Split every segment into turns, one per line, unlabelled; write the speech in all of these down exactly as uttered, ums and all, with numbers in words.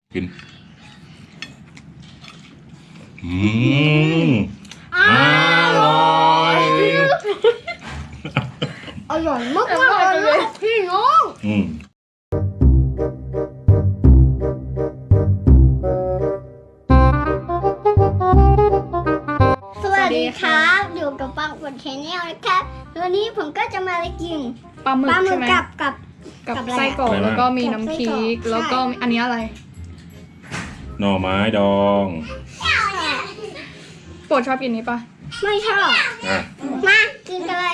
กินอืมอร่อย
อร่อยมากมากเลยพี่น้อง
อืม
สวัสดีครับอยู่กับปังบนแชนแนลนะครับวันนี้ผมก็จะมากิน
ปลาหมึก
ปลาหมึ
ใช่
ก
ไหม
กับกับ
กับ
กับอะไร
ไส้กรอก
อะไรนะ
แล้วก็มี
กับ
น้ำ
ไส้
พริ
กรอก
กแล้วก็
ใช่
อันนี้อะไร
หน่อไม้ดอง
โปรดชอบกินนี้ปะ
ไม่ชอบ
อ่ะ
มากินกันเลย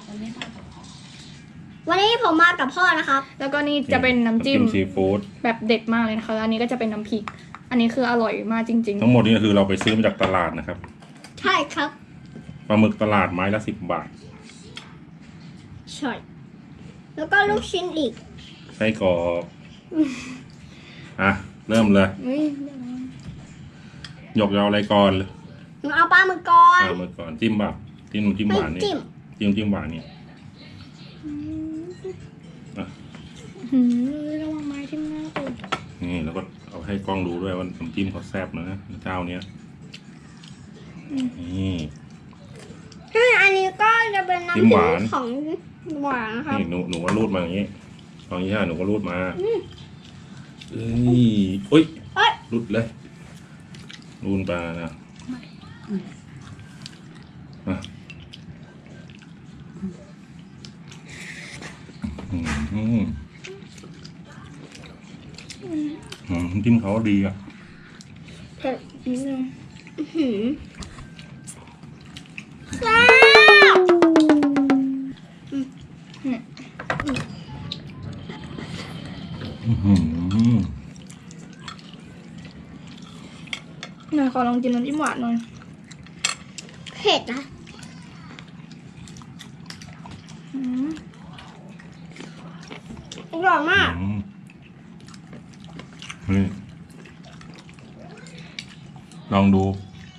วันนี้ผมมากับพ่อนะครับ
แล้วก็นี่จะเป็นน้ำจิ้ม
ซีฟู้ด
แบบเด็ดมากเลยนะคะแล้วอันนี้ก็จะเป็นน้ำพริก อันนี้คืออร่อยมากจริง
ทั้งหมดนี้ก็คือเราไปซื้อมาจากตลาดนะครับ
ใช่ครับ
ปลาหมึกตลาดไม้ละสิบบาท
ใช่แล้วก็ลูกชิ้นอีก
ไส้กรอกอ่ะเริ่มเลย
ๆอุ้ย
หยกยาวอะไรก่อน
หนูเอาปลาหมึกก่อน
เอามาก่อนจิ้มแบบจิ้มจิ้ม
ไม่
หวานนี่
จิ้ม
จิ้มจิ้มหวานนี่อ่ะ
หืมระวังไม้ทิ่มหน้าตูด
นี่แล้วก็เอาให้กล้องดูด้วยว่าน้ำจิ้มเขาแซ่บนะเจ้าเนี้ยนี่
อันนี้ก็จะเป็นน้ำ
จิ้มหวาน
ของหวานนะครับ
นี่หนูหนูก็รูดมาอย่างนี้ตอนนี้ใช่หนูก็รูดมาเอ้ยอุ้ย
เอ้ย
รูดเลยรูดไปนะอ่ะอืมอืมอืมจิ้มเขาดีอ่ะ
เผ็ดนิดนึง
หืมแซ่บ
อืม
หน่อยขอลองกินน้ำจิ้มหวานหน่อย
เผ็ดนะ
อืม
อร่อยมาก
อืมนี่ลองดู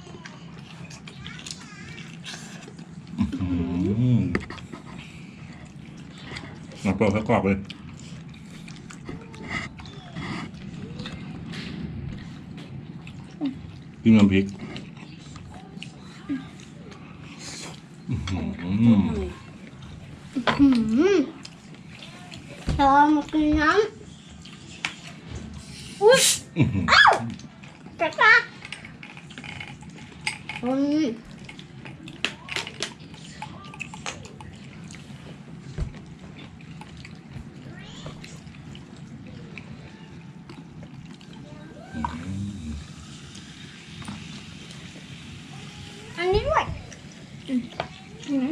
อืมมาเปิดข้าวกรอบเลยจิ้มน้ำพริกอืม
หืมลองมากินน้ำอุ้ยอ้าวกระตักอืมอันนี้ด้วย
อืม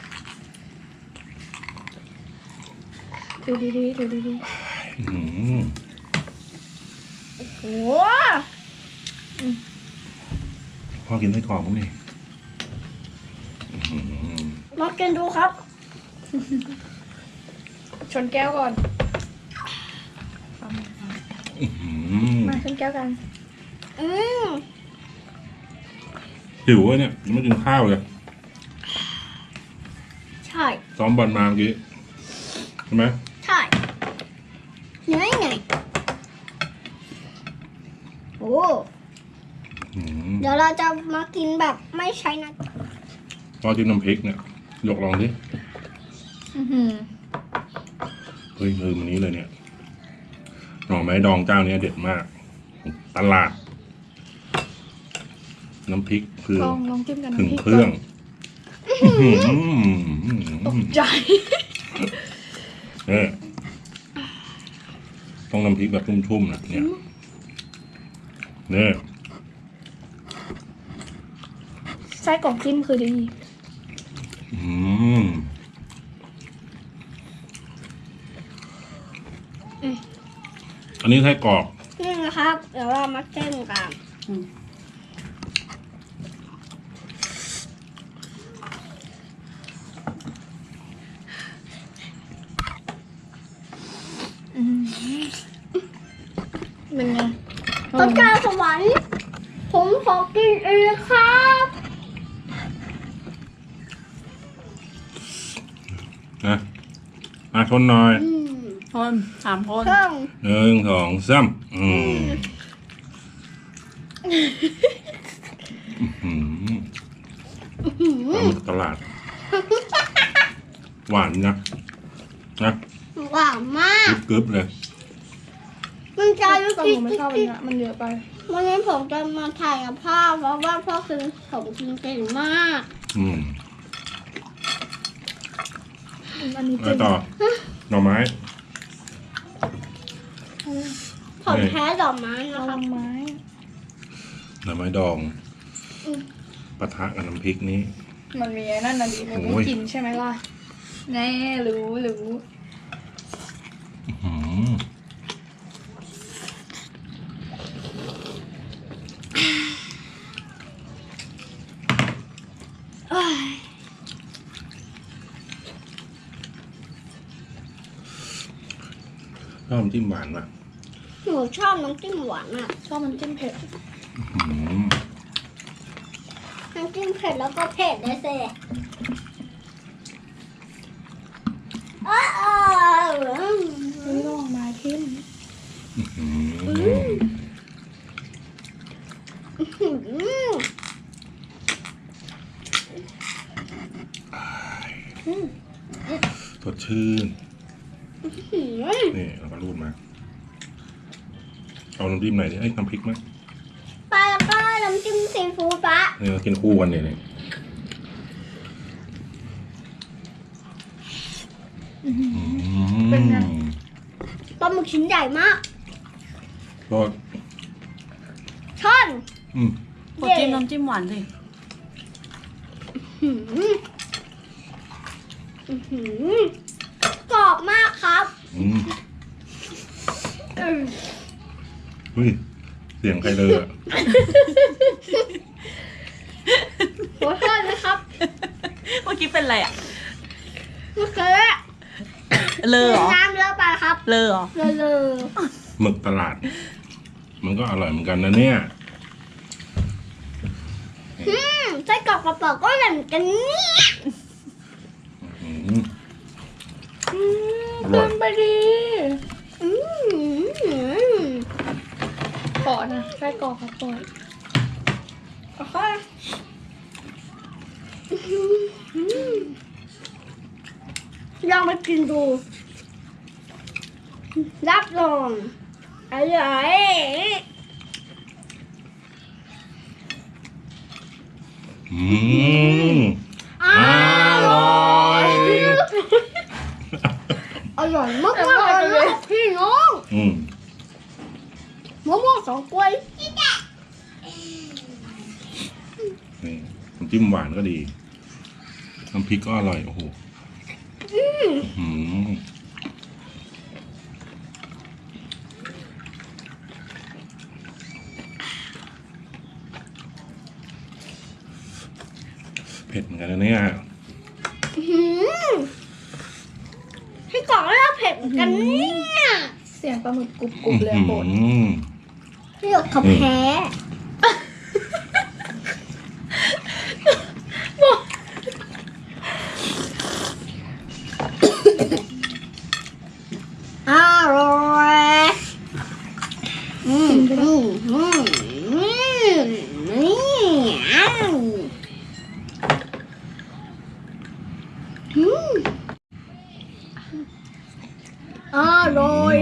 ดูดีๆดูดี
อืม
โอ้
พ่อกินไส้กรอกผมดิอืม
มากินดูครับ
ๆชนแก้วก่อน
อืม
มาชนแก้วกัน
อืม
หิวอะเนี่ยยังไม่กินข้าวเลย
ใช่
ซ้อมบอลมาเมื่อกี้ใช่ไหม
ใช่เหนื่อยไงโอ้
อืม
เดี๋ยวเราจะมากินแบบไม่ใช้นะ
พอจิ้มน้ำพริกเนี่ยยกลองดิ
อื้อหือ
เฮ้ยลืมอันนี้เลยเนี่ยหน่อไม้ดองเจ้าเนี้ยเด็ดมาก ตลาด น้ำพริกคือ
ลองลองจิ้มกัน
ถึง
น้ำพริก
เครื่อง
ก่อนตกใจ
เนี่ยต้องน้ำพริกแบบชุ่มๆนะเนี่ยเนี่ย
ไส้กรอกจิ้มคือดี
อืมอันนี้ไส้กรอก
นี่นะครับ เดี๋ยวเรามาเต้นกัน
เป็นไง
ต้นกล้าสวรรค์ผมขอกินเองครับ
นะมาชนหน่อย
อืม
คนสามคน
เครื่อง
หนึ่งสองสามอืมอืม
หืม
ปลาหมึกตลาด หวานนะนะ
หวานมาก
กรึบๆเลย
มันจะรู้
แต่
สึ
ห
ก
นูไม่ชอบอันเนี้ยมันเยอะไป
วันนี้ผมจะมาถ่ายกับพ่อเพราะว่าพ่อคือผมกินเก่งมาก
อืม
อันนี้
อะไร
เจ๋ง
ต่อหน่อไม้
ผมแพ้ดอกไม้นะ
เอา
ครับ
ไม้
หน่อไม้ดอง
อืม
ปะทะกับน้ำพริกนี้
มันมีไอ้นั่นน่ะดิมัน
โอ้
ไม่
ย
กินใช่ไหมล่ะแน่รู้รู้
อืมชอบน้ำจิ้มหวานป่ะ
หนูชอบน้ำจิ้มหวานอ่ะ
ชอบมันจิ้มเผ็ด
อืม
น้ำจิ้มเผ็ดแล้วก็เผ็ดเลยสิอ้าว
ไม่ลองไม้ทิ่ม
อืม
หืม
อืม
สดชื่น
หืม
นี่เราก็รูดมา เอาน้ำจิ้มไหนอยดิไอ้ยน้ำพริกไหม
ปลาแล้วก็น้ำจิ้มซีฟู้ดปะ
นี่เรากินคู่กันเนี่ยนี่
อื้อหือ
อืม
เป็นไง
ปลาหมึกชิ้นใหญ่มาก
ก็
ช่อน
อืม
กดจิ้มน้ำจิ้มหวานสิ
หืมอื้อหือกรอบมากครับ
อืม
อืม
เฮ้ยเสียงใครเลยอะ
ขอโทษนะครับ
เมื่อกี้เป็นอะไรอ่ะ
เมื่อกี้
เลอเหรอ
น้ำเยอะไปครับ
เลอเหรอ
เลอะเลอะ
หมึกตลาด มันก็อร่อยเหมือนกันนะเนี่ย
อืมไส้กรอกกระเป๋าก็เหมือนกันเนี่ย
อืม
อืม
อร่อย
เกินไปดี
อืม
ขอนะไส้กรอกครับก่อน
โอเคอืมลองมากินดู รับรองอร่อย
อืม
อ
อร่อย
อร่อยมากมากๆเลยครับพี่น้อง
อืม
มะม่วงสองกล้วย
นี่น้ำจิ้มหวานก็ดี น้ำพริกก็อร่อย โอ้โหอืมเผ็ดเหมือนกันนะเนี่ย
หืมให้กรอกแล้วเผ็ดเหมือนกันเนี่ย
เสียงปลาหมึกกรุบกรุบเลยอะโบด
อืม
พี่หยกเขาแพ้อร่อยอืมอืมอืมอืมนี่อ้าวอืมอร่อย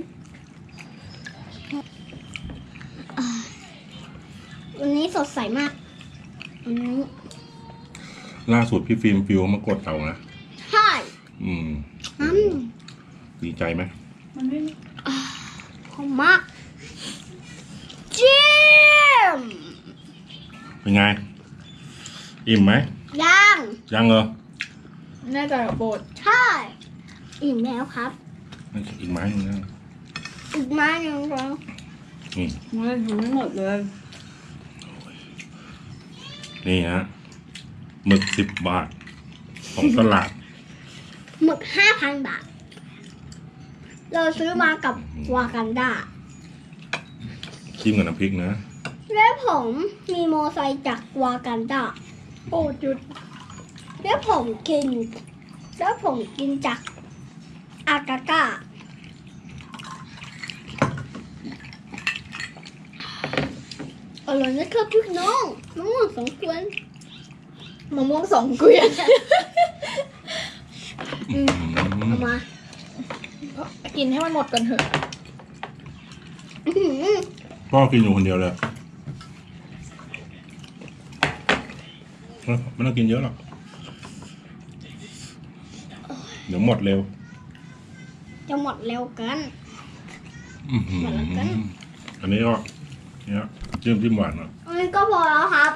วันนี้สดใสมากวันนี้
ล่าสุดพี่ฟิล์มฟิวมากดเรานะ
ใช่
อืม
อืม
ดีใจไหม
มันไม่
หอมมากจิ้ม
เป็นไง อิ่มไหม
ย่าง
ยังเหรอ
แน่ใจกับโบด
ใช่อิ่มแล้วครับ
ไม่ใช่อีกไม้หนึงนะ
อีกไม้หนึ่งครับ
นี่
มันถึงไม่หมดเลย
นี่ฮะหมึกสิบบาท ของตลาด
หมึกห้าพันบาท เราซื้อมากับวากันดา
จิ้มกับน้ำพริกนะ
และผมมีโมไซค์จากวากันดา
โบดหยุด
แล้วผมกิน แล้วผมกินจากอากาก้าอร่อยนะครับพี่น้องน้องสองคน
มะม่วงสองเกวียน
อืม
เอามา
กินให้มันหมดก่อนเถอะ
อื้อหือ
พ่อกินอยู่คนเดียวเลยไม่ต้องกินเยอะหรอกเดี๋ยวหมดเร็ว
จะหมดเร็วกัน
อื้อหือ
หมดแล้วกัน
อันนี้ก็เนี่ยจิ้มจิ้มหวานอ่ะ
อันนี้ก็พอแล้วครับ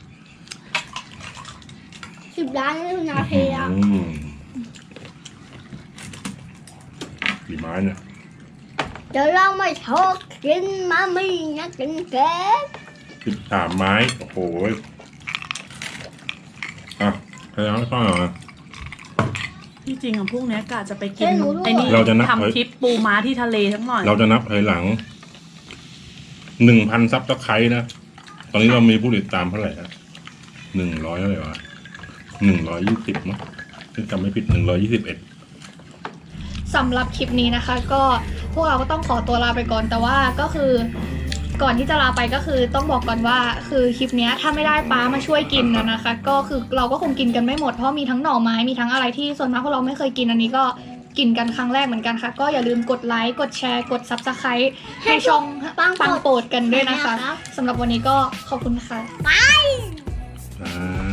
สิบล้านนาทีแล้ว
อืมกี่ไม้เนี่ย
เดี๋ยวเราไม่ชอบกินมามีนะกินแกง
สิบสามไม้โอ้โหอ่ะใครเอาให้พ่อหน่อย
ที่จริงอะพวกเนี้ยกะจะไปกินไอ้นี่
เราจะนับ
ทำคลิปปูม้าที่ทะเลทั้งหน่อย
เราจะนับถอยหลังหนึ่งพันซับสไครต์นะ ตอนนี้เรามีผู้ติดตามเท่าไหร่อะหนึ่งร้อยเท่าไหร่วะหนึ่งร้อยยี่สิบมั้งถ้าจำไม่ผิดหนึ่งร้อยยี่สิบเอ็ด
สำหรับคลิปนี้นะคะ ก็พวกเราก็ต้องขอตัวลาไปก่อนแต่ว่าก็คือก่อนที่จะลาไปก็คือต้องบอกก่อนว่าคือคลิปเนี้ยถ้าไม่ได้ป้ามาช่วยกินนะนะคะ ก็คือเราก็คงกินกันไม่หมดเพราะมีทั้งหน่อไม้มีทั้งอะไรที่ส่วนมากพวกเราไม่เคยกินอันนี้ก็กินกันครั้งแรกเหมือนกันค่ะ ก็อย่าลืมกดไลค์กดแชร์กด ซับสไครบ์ ให้ช่องปังโปรดกันด้วยนะคะสำหรับวันนี้ก็ขอบคุณค่ะ
อ่า